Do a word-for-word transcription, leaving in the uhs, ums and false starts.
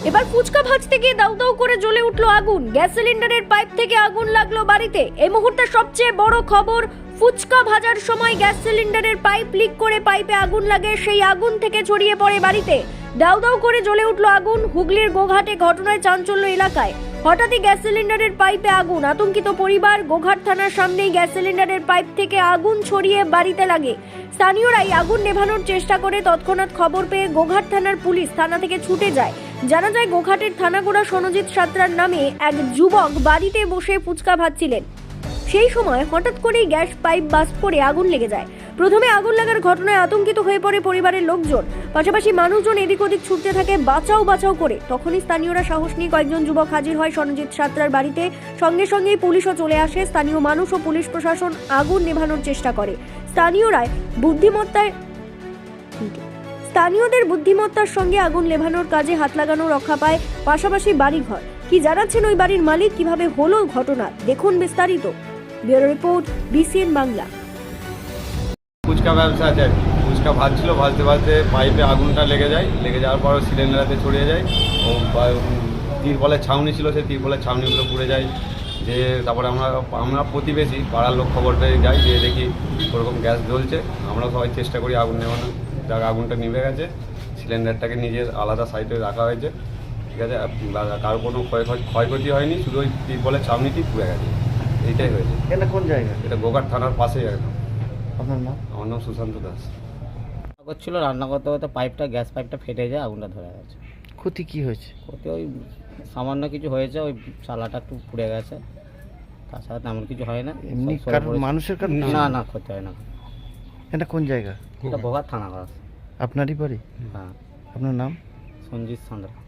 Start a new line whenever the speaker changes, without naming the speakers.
এবার ফুচকা ভাজতে গিয়ে দাউ দাউ করে জ্বলে উঠলো আগুন। গ্যাস সিলিন্ডারের পাইপ থেকে আগুন লাগলো বাড়িতে। এই মুহূর্তে সবচেয়ে বড় খবর, ফুচকা ভাজার সময় গ্যাস সিলিন্ডারের পাইপ লিক করে পাইপে আগুন লাগে। সেই আগুন থেকে ছড়িয়ে পড়ে বাড়িতে। দাউ দাউ করে জ্বলে উঠলো আগুন। হুগলির গোঘাটে ঘটনায় চাঞ্চল্য এলাকায়। হঠাৎই গ্যাস সিলিন্ডারের পাইপে আগুন, আতঙ্কিত পরিবার। গোঘাট থানার সামনেই গ্যাস সিলিন্ডারের পাইপ থেকে আগুন ছড়িয়ে বাড়িতে লাগে। স্থানীয়রাই আগুন নেভানোর চেষ্টা করে। তৎক্ষণাৎ খবর পেয়ে গোঘাট থানার পুলিশ থানা থেকে ছুটে যায়। জানা যায় গোঘাটের থানাগোড়া সনজিৎ সাঁতরার নামে এক যুবক বাড়িতে বসে ফুচকা ভাজছিলেন। সেই সময় হঠাৎ করেই গ্যাস পাইপ বাস্ট করে আগুন লেগে যায়। প্রথমে আগুন লাগার ঘটনায় আতঙ্কিত হয়ে পড়ে পরিবারের লোকজন। পাশাপাশি মানুষজন এদিক ওদিক ছুটতে থাকে বাঁচাও বাঁচাও করে। তখনই স্থানীয়রা সাহস নিয়ে কয়েকজন যুবক হাজির হয় সনজিৎ সাঁতরার বাড়িতে। সঙ্গে সঙ্গেই পুলিশও চলে আসে। স্থানীয় মানুষ ও পুলিশ প্রশাসন আগুন নেভানোর চেষ্টা করে। স্থানীয়রাই বুদ্ধিমত্তায় স্থানীয়দের বুদ্ধিমত্তার সঙ্গে আগুন নেভানোর কাজে হাত লাগানো রক্ষা পায় পাশাপাশি বাড়িঘর। কি জানাচ্ছেন ওই বাড়ির মালিক, কিভাবে হলো ঘটনা, দেখুন বিস্তারিত। Bureau report, BCN Bangla.
Phuchka ব্যবসা আছে আর কি। ফুচকা ভাজছিল, ভাজতে ভাজতে পাইপে আগুনটা লেগে যায়। লেগে যাওয়ার পর সিলিন্ডারেতে ছড়িয়ে যায়। ও তিরপলের ছাউনি ছিল, সেই তিরপলের ছাউনিগুলো পুড়ে যায়। যে তারপরে আমরা আমরা প্রতিবেশী পাড়ার লোক খবর পেয়ে যাই, যে দেখি ওরকম গ্যাস জ্বলছে। আমরা সবাই চেষ্টা করি আগুন নেভানো। যাক, আগুনটা নিভে গেছে। সিলিন্ডারটাকে নিজের আলাদা সাইডে রাখা হয়েছে, ঠিক আছে। কারো কোনো ক্ষয় ক্ষয়ক্ষতি হয়নি, শুধু ওই তিরপলের ছাউনিটি পুড়ে গেছে, এইটাই হয়েছে।
এটা কোন জায়গা?
এটা গোঘাট থানার পাশেই একদম।
আপনার নাম?
আমার নাম সুশান্ত দাস।
করছিল, রান্না করতে করতে পাইপটা গ্যাস পাইপটা ফেটে যায়, আগুনটা ধরে গেছে।
ক্ষতি কি হয়েছে?
ওতে ওই সামান্য কিছু হয়েছে, ওই চালাটা একটু পুড়ে গেছে, তাছাড়া তেমন কিছু হয় না।
এমনি
সব সরে
কারণ
পড়েছে।
মানুষের কারণ
না না ক্ষতি হয় না।
এটা কোন জায়গা?
এটা ভোগার থানা করা।
আপনারই বাড়ি?
হ্যাঁ।
আপনার নাম?
সঞ্জিত সাঁতরা।